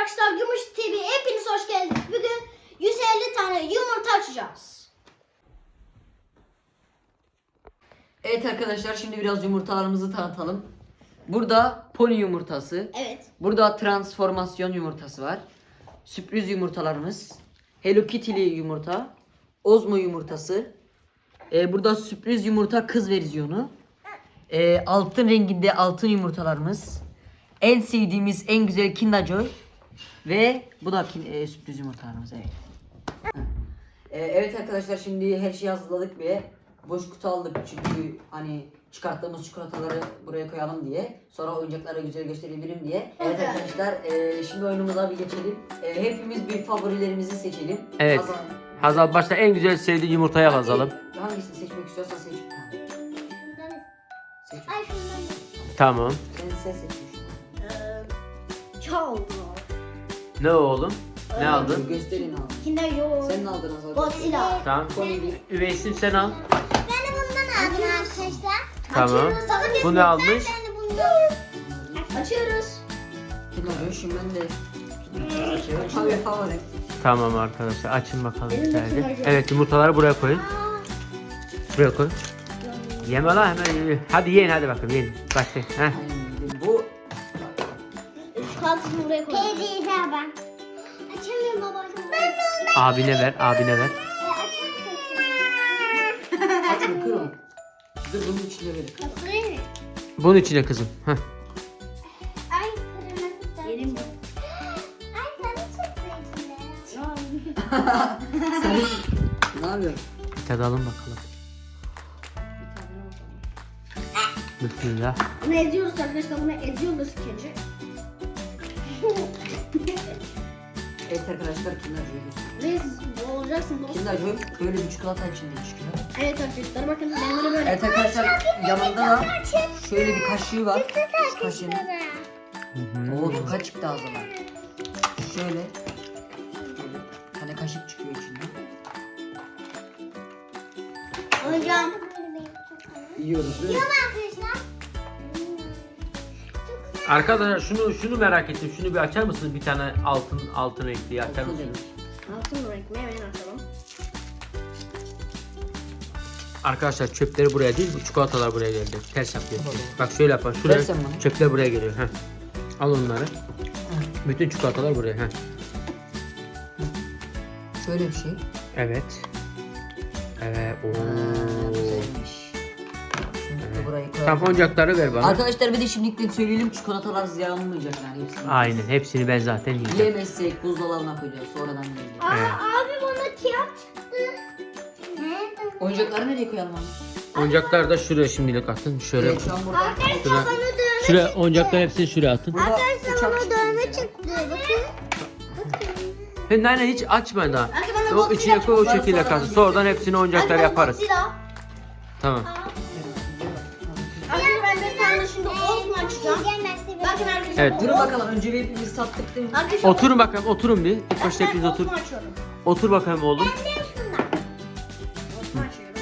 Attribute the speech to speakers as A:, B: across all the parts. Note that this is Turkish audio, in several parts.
A: arkadaşlar, Gümüş TV hepiniz hoş geldiniz. Bugün 150 tane yumurta açacağız.
B: Evet arkadaşlar, şimdi biraz yumurtalarımızı tanıtalım. Burada pony yumurtası.
A: Evet.
B: Burada transformasyon yumurtası var. Sürpriz yumurtalarımız. Hello Kitty'li yumurta. Ozmo yumurtası. Burada sürpriz yumurta kız versiyonu. Altın renginde altın yumurtalarımız. En sevdiğimiz en güzel Kinder Joy. Ve bu da sürpriz yumurtalarımız, evet. Evet arkadaşlar, şimdi her şeyi hazırladık ve boş kutu aldık çünkü hani çıkarttığımız çikolataları buraya koyalım diye, sonra oyuncakları güzel gösterebilirim diye. Evet arkadaşlar, şimdi oyunumuza bir geçelim. Hepimiz bir favorilerimizi seçelim.
C: Evet. Hazal başta en güzel sevdiği yumurtaya yazalım.
B: Hangisini seçmek istiyorsan seç. Seç.
A: Ay şundan.
C: Tamam.
B: Sen seçmiş.
A: Çok.
C: Ne oğlum? Ne aldın?
B: Gösterin abi.
A: Kinder Joy.
B: Sen ne aldın Hazal?
A: Godzilla.
C: Tamam. Üveysim sen al.
D: Ben de bundan aldım arkadaşlar.
C: Tamam.
A: Sakın
C: Bu ne almış?
D: Ben de bundan.
A: Açıyoruz.
B: Kinder Joy, şimdi ben de Tabii favori.
C: Tamam arkadaşlar, açın bakalım
A: Benim de
C: güzelce.
A: Kinder Joy.
C: Evet, yumurtaları buraya koyun. Buraya koy. Yeme lan hemen. Hadi yiyin, hadi bakalım yiyin. Başlayın. Heh.
B: Bu
A: Çikolatasını buraya koy.
D: Teyzeyi ver ben. Açamıyorum babacığım. Ben de ondan.
C: Abine ver, abine ver.
B: açın kırın. Dur bunun içine verin.
D: Kapıyı mı?
C: Bunun içine kızım. Heh.
D: Ay kırmızı da.
A: Yedim mi?
D: Ay sarı çıktı içinde.
B: Sen ne yapıyorsun?
C: Tadalım bakalım. Bismillah.
A: Bunu eziyoruz arkadaşlar. Bunu eziyoruz ikinci.
B: Evet arkadaşlar, Kinder Joy gösteriyor.
A: Ne olacaksın dostum?
B: Kinder Joy böyle bir çikolata içinde çıkıyor.
A: Evet arkadaşlar, bakın benim bunu böyle.
B: Evet arkadaşlar, yanında da şöyle bir kaşığı var. Kaşığın. Oo, toka çıktı ağzına. Şöyle. Bir tane kaşık çıkıyor içinden.
A: Hocam.
B: Yiyoruz değil mi?
D: Arkadaşlar.
C: Arkadaşlar şunu merak ettim. Şunu bir açar mısınız? Bir tane altın renkli açar
B: Altın
C: mısınız?
A: Altın renk mi? Hemen açalım.
C: Arkadaşlar çöpleri buraya değil, bu çikolatalar buraya gelecek. Ters yapıyor. Bak şöyle yapar. Şuraya
B: Versen bana.
C: çöpler buraya geliyor. Heh. Al onları. Bütün çikolatalar buraya. Heh.
B: Şöyle bir şey.
C: Evet. Evet. Oo.
B: Güzelmiş. Şimdi de burayı koyalım.
C: Tamam, oyuncakları ver bana.
B: Arkadaşlar bir de şimdilikten söyleyelim, çikolatalar ziyanlanmayacak yani hepsini.
C: Aynen. Hepsini ben zaten yiyeceğim.
B: Yiyemezsek buzdolabına koyacağız, sonradan yiyeceğiz.
C: Evet.
D: Abi bana kağıt çıktı. Nerede?
B: Oyuncakları nereye koyalım abi?
C: Oyuncakları da şuraya şimdilik atın. Şöyle.
B: Evet, şu an burada.
C: Şuraya. Şuraya oyuncaklar hepsini şuraya atın.
B: Burada uçak
D: Bana
B: çıktı
D: dövme
B: bize.
D: çıktı. Bakın.
C: Nane hiç açma daha.
A: Belki bana
C: O içine koy, o şekilde kalsın. Sonradan hepsini oyuncaklar yaparız. Tamam.
A: Arkadaşlar ben bir tane şimdi Ozmo açacağım. Bakın arkadaşlar.
C: Evet.
B: Durun bakalım, önce bir hepimiz sattık değil mi?
A: Arkadaşlar,
C: Oturun bakalım, oturun bir. İlk başta hepiniz otur.
A: Ozmo açıyorum.
C: Otur bakalım oğlum.
A: Ozmo açıyorum.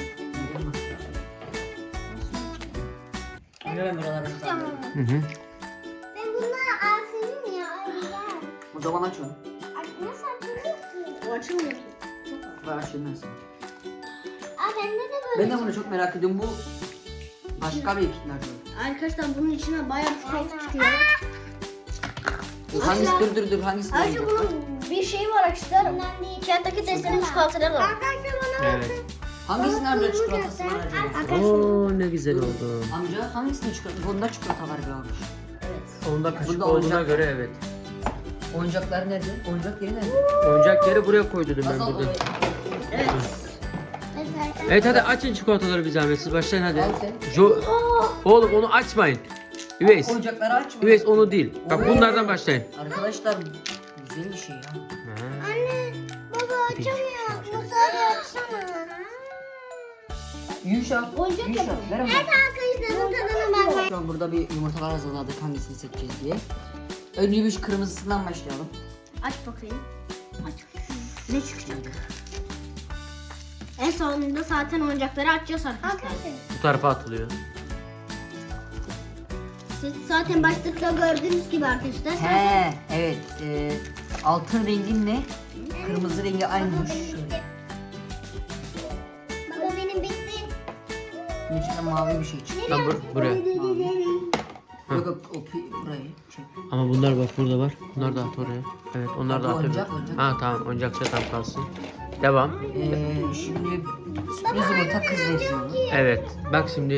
B: Hemen buraları tutalım.
C: Hı hı.
D: Ben bunları alsaydım ya. Ay güzel.
B: O zaman aç onu.
D: Ay nasıl açılıyor ki?
A: O açılmıyor.
B: Ver açayım ben sana.
D: Aa bende de böyle.
B: Ben de bunu çok merak ediyorum. Bu başka bir Kinder Joy.
A: Arkadaşlar bunun içine bayağı çikolata çıkıyor.
B: Hangisi, dur hangisini
A: Ayrıca
B: oynayacak?
A: bunun bir şeyi var arkadaşlar. Kentteki testlerin çikolataları var.
D: Arkadaşlar bana
C: Evet.
B: Hangisi nerede çikolatası var acaba?
C: Oo, ne güzel oldu.
B: Amca hangisinde çikolata? Bunda çikolata var galiba.
A: Evet.
C: Onda kaşık
B: Bunda
C: olduğuna
B: oyuncak.
C: göre evet.
B: Oyuncaklar nerede? Oyuncak yeri nerede?
C: Oyuncak yeri buraya koy dedim ben
B: Azal
C: burada.
A: Evet.
C: Evet, hadi açın çikolataları bir zahmet, siz başlayın hadi.
B: Al sen.
C: Oğlum onu açmayın. Üveys.
B: Oyuncakları açma.
C: Üveys onu değil. Bak
B: Oo.
C: bunlardan başlayın.
B: Arkadaşlar güzel bir şey ya.
D: Anne baba açamıyor. Masayı açsana.
B: Yuşa.
A: Oyuncak
B: Yuşa.
A: yapalım.
B: Ver ama.
D: Arkadaşlarım tadına bakmayın.
B: Şu an burada bir yumurtalar hazırladık, hangisini seçeceğiz diye. Önce bir şu kırmızısından başlayalım.
A: Aç bakayım. Aç. Ne çıkacak? En sonunda zaten oyuncakları açacağız arkadaşlar.
C: Bu tarafa atılıyor.
A: Siz zaten başlıkta gördüğünüz gibi arkadaşlar.
B: He, evet. altın renginle kırmızı rengi aynıymış.
D: Baba benim bitti.
B: Bunun içinde mavi bir şey çıktı.
C: Lan buraya.
B: Yok yok burayı çek.
C: Ama bunlar bak burada var. Bunlar da at oraya. Evet onlar da
B: Bu
C: at.
B: oyuncak, oyuncak.
C: Ha tamam oyuncakça tam kalsın. Devam.
B: Şimdi sürpriz yumurta kız versiyonu.
C: Evet. Bak şimdi.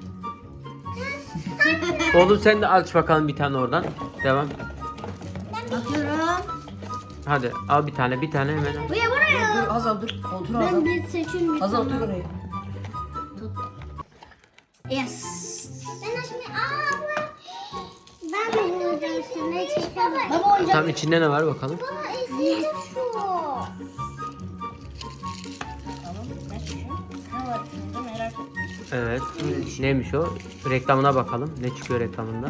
C: Oğlum sen de aç bakalım bir tane oradan. Devam.
A: Bakıyorum.
C: Hadi al bir tane hemen al.
A: Buraya buraya.
B: Dur Hazal dur. Otur Hazal.
A: Ben bir seçeyim bir
B: Hazal
A: tane.
B: otur oraya.
A: Yes.
D: Ben şimdi ben de burada üstüne çekemem.
A: Baba oyuncak.
C: Tam içinde ne var bakalım.
D: Baba eski şu.
A: Tamam. Ben seçiyorum. Ne var içinde merak ettim.
C: Evet. Neymiş o? Reklamına bakalım. Ne çıkıyor reklamında?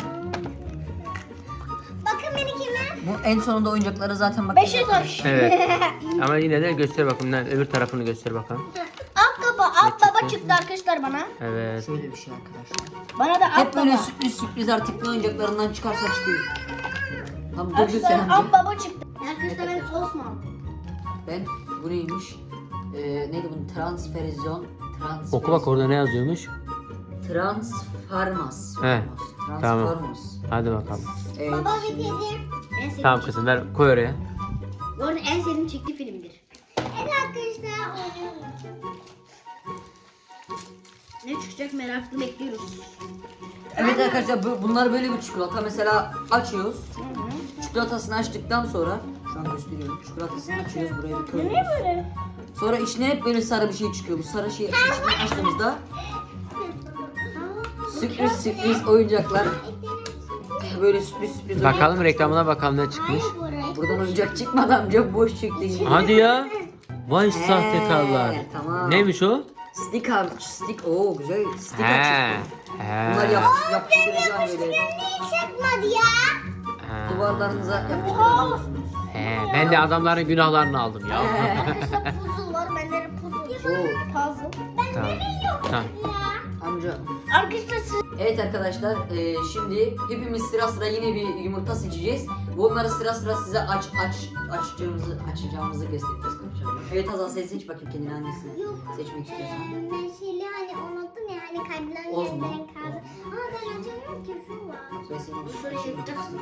D: Bakın benimkine.
B: Bu en sonunda oyuncakları zaten bak.
A: Beşiktaş.
C: Evet. Ama yine de göster bakalım. Öbür tarafını göster bakalım.
A: At baba
C: çıktı?
A: çıktı arkadaşlar bana.
C: Evet.
B: Şöyle bir şey arkadaşlar.
A: Bana da at
B: Hep böyle
A: baba.
B: sürpriz artık ne oyuncaklarından çıkarsa çıkıyor. Tamam dur
A: Arkadaşlar
B: sen
A: at
B: amca.
A: baba çıktı. Arkadaşlar ben Osman.
B: Ben bu neymiş? Neydi bunun transferizyon.
C: Oku bak orada ne yazıyormuş.
B: Transformers.
C: He, tamam.
B: Transformers.
C: Hadi bakalım.
B: Evet,
D: Baba
B: şimdi-
D: bitirdim.
A: En sevdiğim
C: Tamam kızım ver koy oraya.
A: Bu arada en sevdiğim çekti filmdir.
D: Evet arkadaşlar oynuyorum.
A: Ne çıkacak meraklı bekliyoruz.
B: Evet arkadaşlar bunlar böyle bir çikolata. Mesela açıyoruz. Çikolatasını açtıktan sonra şu an gösteriyorum. Çikolatasını açıyoruz buraya bir koyuyoruz.
A: Böyle.
B: Sonra içine hep böyle sarı bir şey çıkıyor. Bu sarı şeyi içine açtığımızda sürpriz oyuncaklar. Böyle sürpriz
C: Bakalım reklamına bakalım ne çıkmış.
B: Buradan oyuncak çıkmadı amca boş çıktı.
C: Hadi ya. Vay sahtekarlar.
B: Tamam.
C: Neymiş o?
B: Stick. Oo güzel. Sticker
C: He.
B: çıktı.
C: He.
B: Bunlar yapıştıracağım böyle.
D: Çıkmadı ya.
C: Ha.
B: Duvarlarınıza yapıştırabiliyorsunuz.
C: He. Ben de adamların günahlarını aldım ya.
A: Arkadaşlar puzzle var. Bende de puzzle.
B: Oo.
A: Puzzle.
C: Tamam. Tamam.
B: Amca.
A: Arkadaşlar siz...
B: Evet arkadaşlar şimdi hepimiz sıra sıra yine bir yumurta seçeceğiz. Bunları sıra sıra size açacağımızı göstereceğiz. Evet Hazal sen seç bakayım kendini hangisini
D: Yok.
B: seçmek istiyorsan.
D: Ben şeyli hani unuttum ya hani kalpler
B: Ozma.
D: yerden kaldı. Ama ben açamıyorum ki şu var.
B: Ben senin
A: Şöyle şey yapacaksın.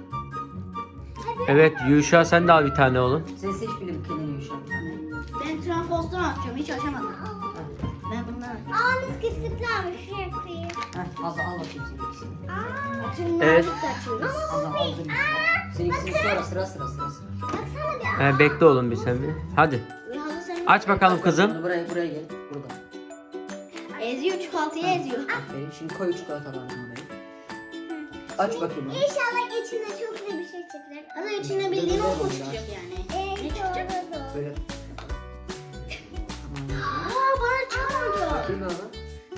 C: Evet Yuşa sen de al bir tane oğlum.
B: Sen seç bile bir kendini Yuşa.
A: Ben Transformers'tan atacağım. Hiç açamadım. Ben bundan atacağım.
D: Aa miskisliklermiş şuraya koyayım.
B: Heh Hazal al bakayım senin ikisini.
D: Aa.
A: Açın
C: Evet.
A: nazik de açıyoruz.
B: Hazal al dur. Senin ikisini sonra sıra.
D: Baksana bir.
C: Bekle oğlum bir sen bir. Hadi.
A: Hazır sen
C: Aç bakalım kızım.
B: Bunu buraya gel. Burada.
A: eziyor çikolatayı eziyor.
B: Aferin. Şimdi koy çikolatalarını oraya. Aç bakayım. onu.
D: İnşallah içinde çok güzel bir şey çıkacak.
A: Hazır içinde bildiğin okul çıkacak yani. Ne çıkacak?
B: Böyle.
A: Aa bana çıkmadı.
B: Bakayım ona.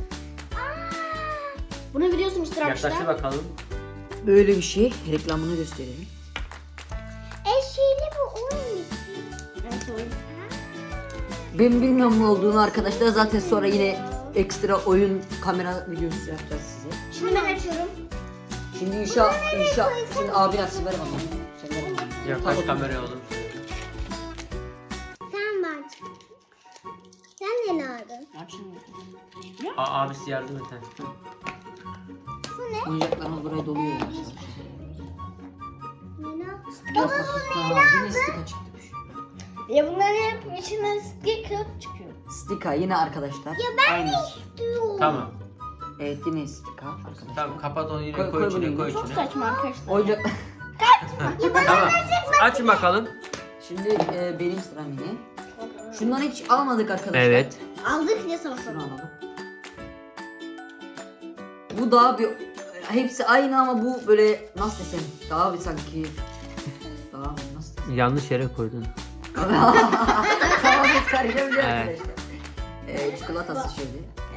A: Bunu biliyorsunuz
C: Yaklaştır
A: arkadaşlar.
C: bakalım.
B: Böyle bir şey. Reklamını gösterelim.
D: Şeyli bu oyun.
A: Evet oyun.
B: Ben bilmiyorum ne olduğunu arkadaşlar. Zaten sonra yine ekstra oyun kamera videosu yapacağız size.
A: Şimdi ben açıyorum.
B: Şimdi inşa şimdi abin açsın ver bana. Sen ver bana.
C: Yaklaş
B: Tamam.
C: kameraya oğlum.
D: Sen bak. Sen ne aldın?
A: Açın.
C: Abisi yardım et. ha.
B: Oyuncaklarımız buraya doluyor yavaş.
D: Nina.
B: Yok bakayım. Yine stika çıktı.
A: Ya bunların hep içinden sticker çıkıyor.
B: Stika yine arkadaşlar. Aynı.
C: Tamam.
B: Evet yine stika arkadaşlar.
C: Tamam kapat onu yine
B: Koy-
C: koy,
B: koy
C: içine
B: bunu
C: koy
B: yine.
A: Çok
C: içine.
A: saçma arkadaşlar.
B: Oyuncak.
C: Tamam. Açın bakalım.
B: Şimdi benim sıram yine. Şundan hiç almadık arkadaşlar.
C: Evet.
A: Aldık ya sabah
B: Şunu
A: sabah.
B: alalım. Bu daha bir hepsi aynı ama bu böyle nasıl desem daha bir sanki daha nasıl desem.
C: Yanlış yere koydun.
B: Tamam biz karışabiliyor
C: Evet.
B: arkadaşlar. Çikolatası şöyle.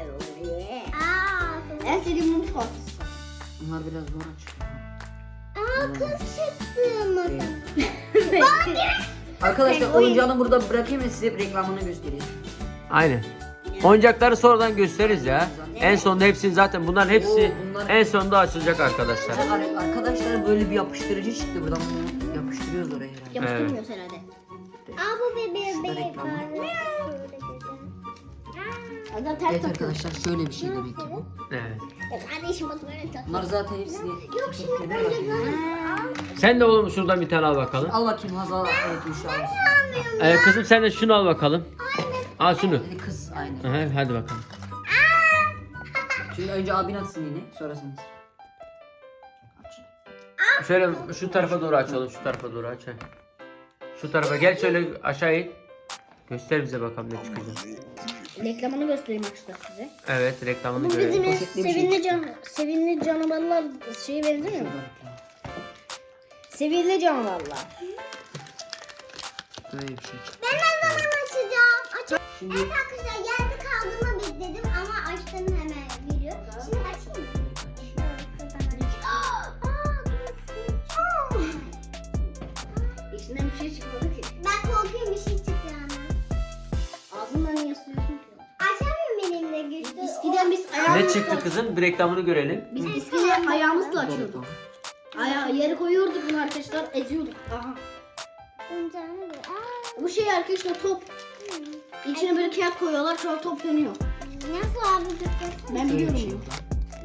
D: Aa.
A: En sevdiğim mum çikolatası.
B: Bunlar biraz zor açıyor.
D: Aa kız çıktı masa.
B: Arkadaşlar oyuncağını burada bırakayım ve size reklamını göstereyim.
C: Aynen. Oyuncakları sonradan gösteririz ya. En sonunda hepsini zaten bunların hepsi
B: Oo, bunlar-
C: en sonunda açılacak arkadaşlar.
B: Arkadaşlar böyle bir yapıştırıcı çıktı buradan bunu yapıştırıyoruz yapıştırıyoruz oraya herhalde.
A: Yapıştırmıyoruz herhalde.
D: Aa bu bebeğe
B: Şurada
D: bebeğe
B: reklamı.
D: böyle dedi.
A: Zaten ters
B: Evet
A: takıyor.
B: arkadaşlar şöyle bir şey demek ki bu.
C: Evet.
D: Ya kardeşim bak böyle tak.
B: Bunlar zaten hepsini
D: Yok şimdi
B: paketlemeye
D: böyle
B: bakıyor.
D: böyle.
C: Sen de oğlum şuradan bir tane al bakalım.
B: Al bakayım Hazal. Evet Müşra.
C: Kızım sen de şunu al bakalım. Al şunu.
B: Dedi kız aynı.
C: Aha, hadi bakalım.
B: Şimdi önce abin atsın yine. Sonra sen. Aç.
C: Şöyle şu tarafa doğru açalım. Şu tarafa doğru aç. Heh. Şu tarafa gel şöyle aşağı in. Göster bize bakalım ne çıkacak.
A: Reklamını göstereyim arkadaşlar size.
C: Evet reklamını
A: Bu
C: görelim.
A: bizim
B: Poşetli bir şey.
A: sevimli canavarlar şeye benzemiyor mu? Sevimli canavarlar.
B: Böyle bir şey çıktı.
D: Ben ne zaman açacağım? Aç.
B: Şimdi
D: Evet arkadaşlar yerde kaldığımı bekledim ama açtım hemen geliyor. Şimdi açayım mı?
A: İçinden bir şey çıkmadı ki.
D: Ben korkuyorum bir şey çıktı ama.
A: Ağzından niye sürüyorsun ki?
D: Açamıyorum elimle güçlü.
A: Eskiden biz
C: Ne
A: ayağımızla
C: çıktı kızım? Bir reklamını görelim.
A: Biz eskiden ayağımızla açıyorduk. Yere koyuyorduk bunu arkadaşlar, eziyorduk. Aha.
D: Oyuncağını böyle. Aa,
A: Bu şey arkadaşlar top. İçine böyle kağıt koyuyorlar, sonra top dönüyor.
D: nasıl abi tuttu?
A: Ben
B: Böyle bir
A: biliyorum
B: şey
A: bunu.
B: yok.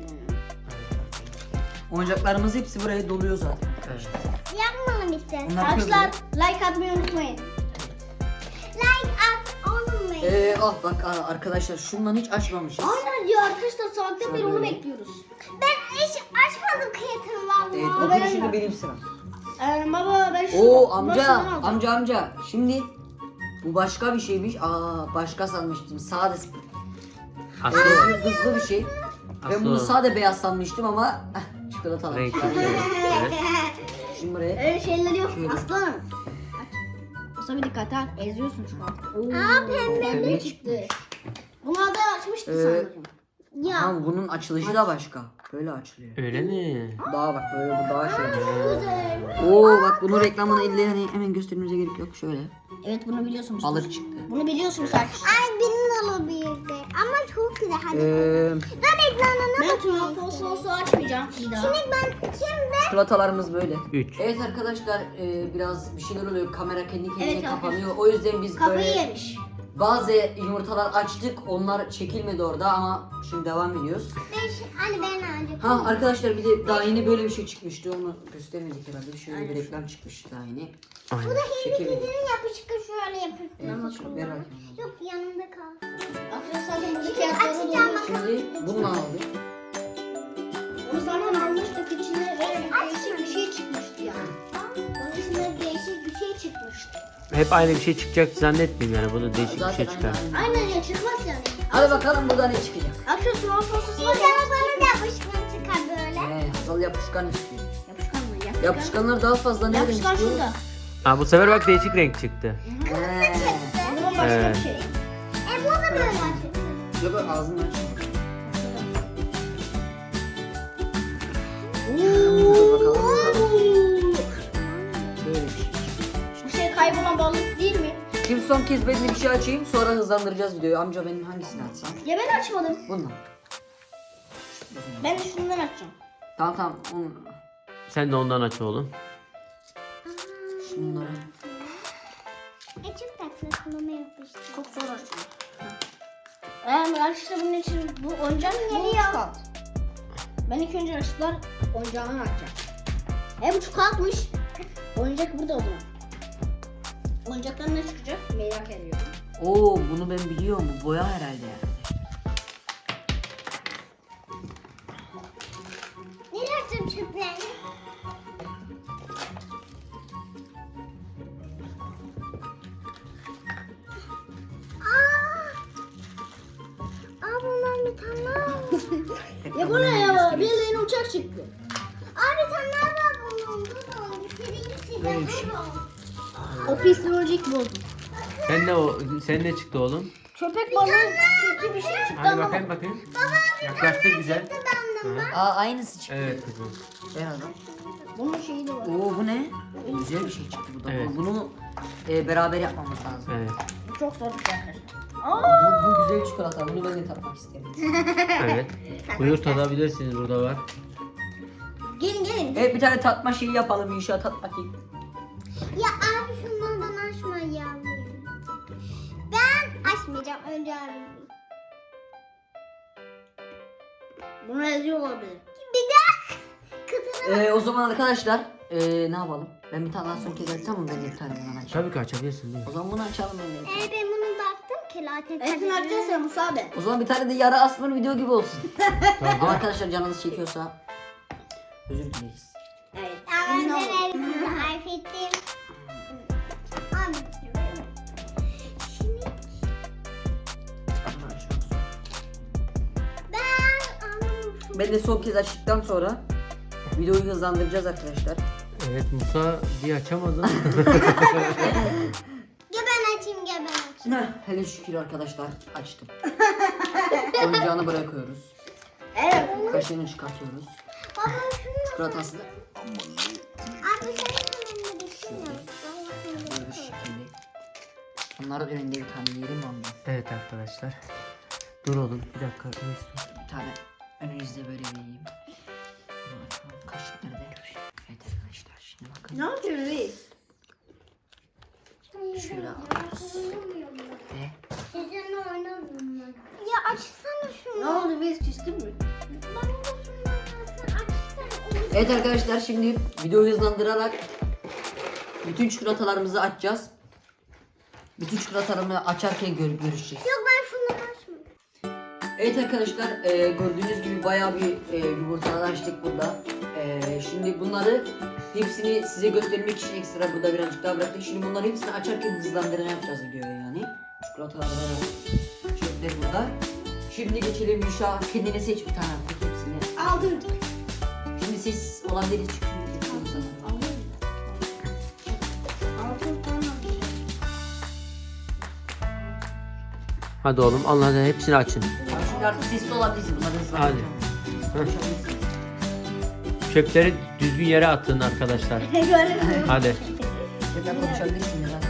B: Oyuncaklarımız hepsi buraya doluyor zaten.
C: Evet.
D: Yapmalım istersen.
B: Bunlar
A: Arkadaşlar like atmayı unutmayın.
D: Like at olmayın.
B: Bak arkadaşlar şundan hiç açmamışız.
A: Aynen ya arkadaşlar saatten beri onu
B: Şöyle.
A: bekliyoruz.
D: Ben hiç açmadım kıyatını
B: Evet
D: valla.
B: bugün şimdi benim sıram.
A: Baba ben şunu
B: Oo amca
A: başından alacağım.
B: amca. Şimdi bu başka bir şeymiş. Başka sanmıştım. Sade
C: Aslı
B: hızlı bir şey. Ben bunu
C: Aslı.
B: sade beyaz sanmıştım ama çikolatalı.
C: Renkli. Evet.
B: Şimdi buraya.
A: Öyle şeyler yok
B: Şöyle.
A: aslanım. Mustafa dikkat ha, eziyorsun şu an.
B: Pembe
A: Ne çıktı? Bunu da açmıştı sanırım.
D: Ya.
B: Ama bunun açılışı da başka. Böyle açılıyor.
C: Öyle mi?
B: Daha bak böyle bu daha şey.
D: Güzel.
B: Oo bak bunun reklamını elle hani hemen göstermemize gerek yok. Şöyle.
A: Evet bunu biliyorsunuz.
B: Balık çıktı.
A: Bunu biliyorsunuz arkadaşlar.
D: Ay benim olabilirdi. Ama çok güzel. Hadi.
B: Ee,
D: Ben ekranına
A: Ben tuhaf açmayacağım bir daha.
D: Ben şimdi
B: çikolatalarımız böyle.
C: 3.
B: Evet arkadaşlar biraz bir şeyler oluyor. Kamera kendi kendine
A: Evet,
B: kapanıyor. O yüzden biz
A: Kafayı
B: böyle
A: yemiş.
B: bazı yumurtalar açtık. Onlar çekilmedi orada ama şimdi devam ediyoruz.
D: hani ben ancak.
B: Ha arkadaşlar bir de daha yeni böyle bir şey çıkmıştı. Onu göstermedik herhalde. Şöyle bir reklam çıkmıştı daha yeni.
C: Aynen.
B: Çekemedik.
D: Yapışık şöyle yapışık.
B: Evet, ver bakayım.
D: Yok yanımda kal.
A: Arkadaşlar burada
D: Şimdi
A: kağıtları
D: açacağım
A: dolu.
D: bakalım.
B: Şimdi bununla aldık.
A: Onu zaten almıştık içine değişik bir şey çıkmıştı yani. Onun içinde değişik bir şey çıkmıştı.
C: Hep aynı bir şey çıkacak zannetmiyorum yani. Burada değişik bir
B: Zaten
C: şey çıkar.
B: aynı.
A: Aynen ya çıkmaz yani.
B: Hadi bakalım burada ne çıkacak.
A: Arkadaşlar soğan sosası var
D: İnşallah
A: ya.
D: bana da yapışkan çıkar böyle.
B: Hazal yapışkan istiyor.
A: Yapışkan mı? Yapışkan.
B: Yapışkanlar daha fazla nereden
A: Yapışkan
B: çıkıyor?
A: şurada.
C: Ha bu sefer bak değişik renk çıktı.
B: He.
A: O zaman başka
C: Evet.
A: bir şey.
D: Bu da böyle açık.
B: Yok yok, ağzını aç. Böyle bir şey.
A: Bu şey kaybolan balık değil mi?
B: Şimdi son kez ben de bir şey açayım sonra hızlandıracağız videoyu. Amca benim hangisini açsam?
A: Ya ben açmadım.
B: Bununla.
A: Ben de şundan açacağım.
B: Tamam. Onu.
C: Sen de ondan aç oğlum.
B: Şunları.
D: Çok tatlı kulağıma yapıştı.
A: Çok zor açacağım. Arkadaşlar bunun için bu oyuncak bu çikolata. Ben ilk önce arkadaşlar oyuncağını açacağım. Bu çikolatmış. Oyuncak burada o zaman. Oyuncaktan ne çıkacak merak ediyorum.
B: Oo bunu ben biliyorum. Bu boya herhalde yani.
D: Nereye açacağım çöplerini? Bundan bir tane daha var.
A: Ya bu ne ya? Bildiğin uçak çıktı.
D: Bir tane daha var bunun. Durun. Birinci
B: Böyle bir
D: sizden
B: şey.
D: durun.
A: O pislik bozdum.
C: Sen ne çıktı oğlum?
A: Köpek balığı çünkü bir şey çıktı
C: Hadi
A: ama.
C: bakayım bakayım. Yaklaştı güzel. Hı.
B: Aynısı çıktı.
C: Evet kızım.
B: Ben adam.
A: Bunun şeyi de var.
B: Oo bu ne? Güzel bir şey çıktı bu da.
C: Evet.
B: Bunu beraber yapmamız lazım.
C: Evet.
A: Bu çok zor bir şey arkadaşlar.
B: Bu güzel çikolata. Bunu ben de tatmak isterim.
C: Evet. Buyur tadabilirsiniz burada var.
A: Gelin gelin.
B: Evet bir tane tatma şeyi yapalım inşallah tat bakayım.
D: Ya abi şunlardan açma ya. Ben açmayacağım. Önce abi.
A: Bunu yazıyor olabilir.
D: Bir de kızını
B: O zaman arkadaşlar ne yapalım? Ben bir tane daha son kez açsam mı? Ben de bir tane bundan açayım.
C: Tabii ki açabilirsin değil mi?
B: O zaman bunu açalım ben de.
D: ben bunu baktım ki latte.
A: Hepsini açacağız ya Musa abi.
B: O zaman bir tane de yara asmanın video gibi olsun.
C: Tabii.
B: Ama arkadaşlar canınız çekiyorsa özür dileriz.
A: Evet.
D: Ama
A: Emin
D: ben
A: olun.
D: elbise harf ettim. Abi. Şimdi ben anlamadım.
B: Ben de son kez açtıktan sonra videoyu hızlandıracağız arkadaşlar.
C: Evet Musa diye açamadın.
D: Ya ben açayım ya ben açayım.
B: Hele şükür arkadaşlar açtım. Oyuncağını bırakıyoruz.
A: Evet.
B: Kaşığını çıkartıyoruz.
D: Baba şunu
B: Çikolatasını
D: abi sen önünde düşünme.
B: böyle şekilde. Bunların önünde bir tane yiyelim mi ondan?
C: Evet arkadaşlar. Dur oğlum bir dakika. ne istiyorsun?
B: Bir tane önünüzde böyle vereyim. Bunu açalım. Kaşık nerede? Evet arkadaşlar şimdi bakın.
A: Ne yapıyorsun reis?
B: Şöyle alıyoruz. Ve
D: Sizinle oynamıyorum ben. Ya açsana şunu.
A: Ne oldu reis küstün mü?
D: Bana da şunu açsana.
B: evet arkadaşlar şimdi videoyu hızlandırarak bütün çikolatalarımızı açacağız. Bütün çikolatalarımı açarken görüp görüşeceğiz.
D: Yok ben şunu açmıyorum.
B: Evet arkadaşlar gördüğünüz gibi bayağı bir yumurtalar açtık burada. Şimdi bunları hepsini size göstermek için ekstra burada birazcık daha bıraktık. Şimdi bunları hepsini açarken hızlandırma yapacağız videoya yani. Çikolataları çöpler burada. Şimdi geçelim Yuşa, kendine seç bir tane artık hepsini.
A: Aldım.
B: Şimdi ses olan deri çıkıyor.
A: Aldım. Altın falan aldım.
C: Hadi oğlum Allah hadi hepsini açın.
B: Şimdi artık sesli olabilirsin bunları hızlandıracağım. Konuşabilirsin.
C: Çöpleri düzgün yere atın arkadaşlar.
A: Görelim.
C: Hadi.
B: Tekrar konuşabilirsin ya.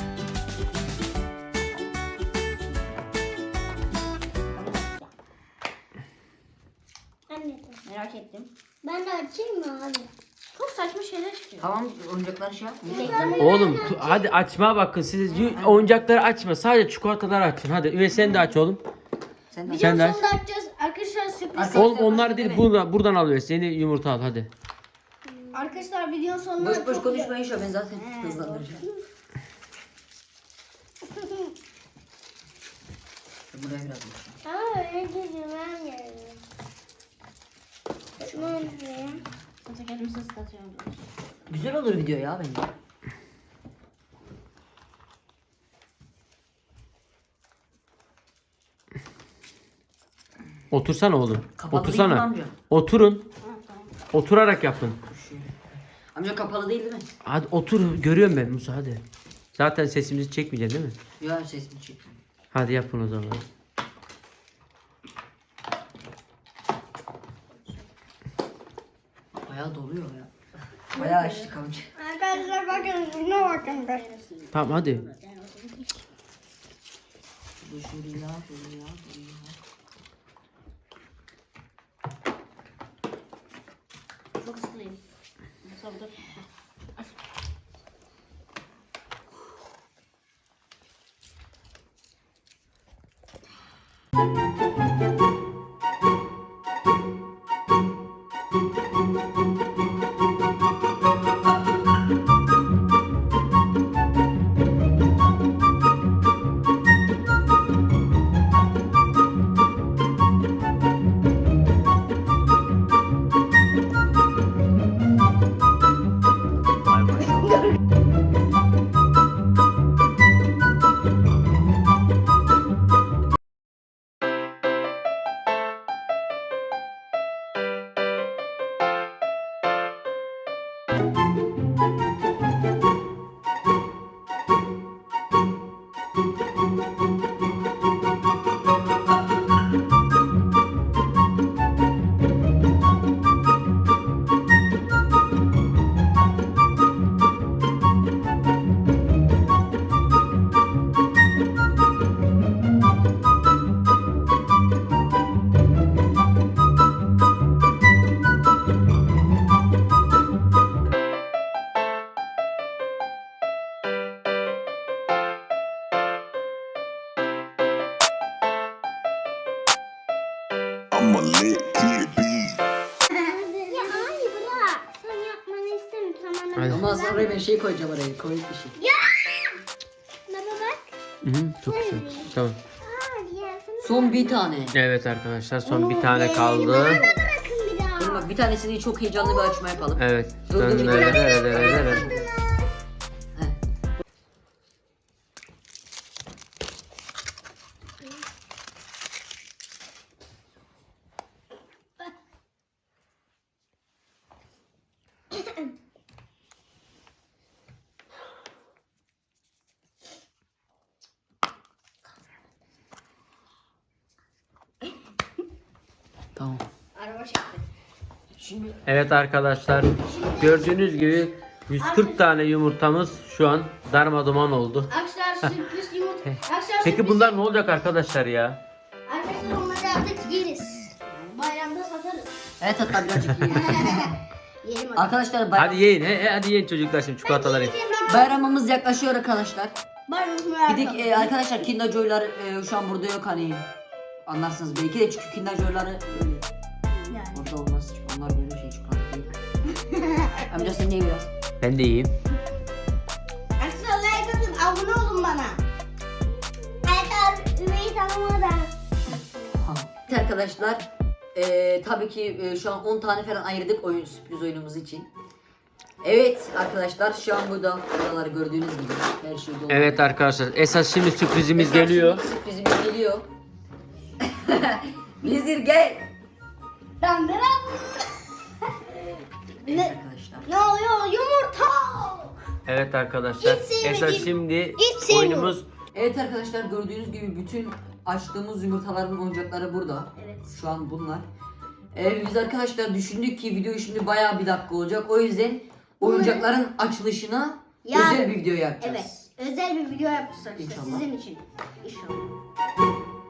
D: Anne.
A: Merak ettim.
D: Ben de açayım mı abi?
A: Çok saçma şeyler çıkıyor.
B: Tamam oyuncakları şey yapma.
C: Oğlum hadi açma bakın siz oyuncakları açma sadece çikolataları açın hadi ve sen de aç oğlum.
B: Sen de
C: Sen de aç.
A: Sonunda açacağız. Arkadaşlar sürpriz.
B: Arkadaşlar,
C: Oğlum onlar değil buradan alıyoruz seni yumurta al hadi.
A: Arkadaşlar videonun sonunda
B: boş boş
A: çok
B: konuşma Yuşa, ben zaten hızlandıracağım. Buraya biraz koyacağım.
D: Ama öyle gözümem geldi. Şunu öyle.
A: Zaten kendimizi ıslatıyorum.
B: Güzel olur video ya bence.
C: Otursana oğlum.
B: Kapalı değil mi
C: Otursana.
B: amca?
C: Oturun. Oturarak yapın.
B: Şöyle. Amca kapalı değil mi?
C: Hadi otur görüyorum ben Musa hadi. Zaten sesimizi çekmeyeceksin değil mi?
B: Ya sesini çekmiyor.
C: Hadi yapın o zaman.
B: Bayağı doluyor ya. Bayağı açtık amca.
A: Arkadaşlar bakın şuna bakın.
C: Tamam hadi.
B: Bu şuraya, buraya, buraya.
A: Çok ıslıyım. Sabır.
E: I'm a lit kid, B.
D: Ya hayır bırak. Sen yapmanı istemiyorum. Sen bana
C: Hadi.
B: Ama sonra ben şey koyacağım oraya. Komik bir şey.
D: Baba bak.
C: Çok güzel. Tamam.
D: Aa ya sana
B: Son bir tane.
C: Evet arkadaşlar son bir tane kaldı.
D: bırakın bir daha.
B: Dur bak bir tanesini çok heyecanlı bir açma yapalım.
C: Evet.
B: Dur, dur, dur.
C: Dön.
B: Heh. Tamam.
A: Araba çekti.
B: Şimdi
C: Evet arkadaşlar gördüğünüz gibi 140 tane yumurtamız şu an darmaduman oldu.
A: Arkadaşlar sürpriz yumurta. Arkadaşlar
C: Peki
A: sürpriz-
C: bunlar ne olacak arkadaşlar ya?
A: Arkadaşlar onları artık yeriz. Bayramda satarız.
B: evet hatta birazcık yiyelim.
A: Yiyelim hadi.
B: Arkadaşlar bayram,
C: Hadi yiyin. Hadi yiyin çocuklar şimdi çikolataları.
B: bayramımız yaklaşıyor arkadaşlar.
A: Bayramımız
B: Bir de arkadaşlar Kinder Joy'lar şu an burada yok hani. Anlarsınız belki de çünkü Kinder Joy'ları böyle
A: Yani.
B: orada olmaz. Çünkü onlar böyle şey çikolata değil. Amca sen ye biraz.
C: Ben de yiyeyim.
A: Arkadaşlar like atın. Abone olun bana.
D: Arkadaşlar üveyi tanımadan.
B: Evet arkadaşlar tabii ki şu an 10 tane falan ayırdık oyun sürpriz oyunumuz için. Evet arkadaşlar şu an buraları gördüğünüz gibi her şey dolu.
C: Evet arkadaşlar esas şimdi sürprizimiz
B: Mesela
C: geliyor.
B: şimdi Sürprizimiz geliyor. Bizir gel.
A: Dandıran.
B: Evet arkadaşlar.
A: Ne oluyor? Yumurta.
C: Evet arkadaşlar
A: Hiç sevmediğim-
C: esas şimdi
A: hiç sevmiyorum.
C: oyunumuz
B: Evet arkadaşlar gördüğünüz gibi bütün açtığımız yumurtaların oyuncakları burada.
A: Evet.
B: Şu an bunlar. Biz arkadaşlar düşündük ki video şimdi bayağı bir dakika olacak. O yüzden oyuncakların açılışına
A: Yarın.
B: özel bir video yapacağız.
A: Evet. Özel bir video yapacağız arkadaşlar
B: İnşallah.
A: sizin için. İnşallah.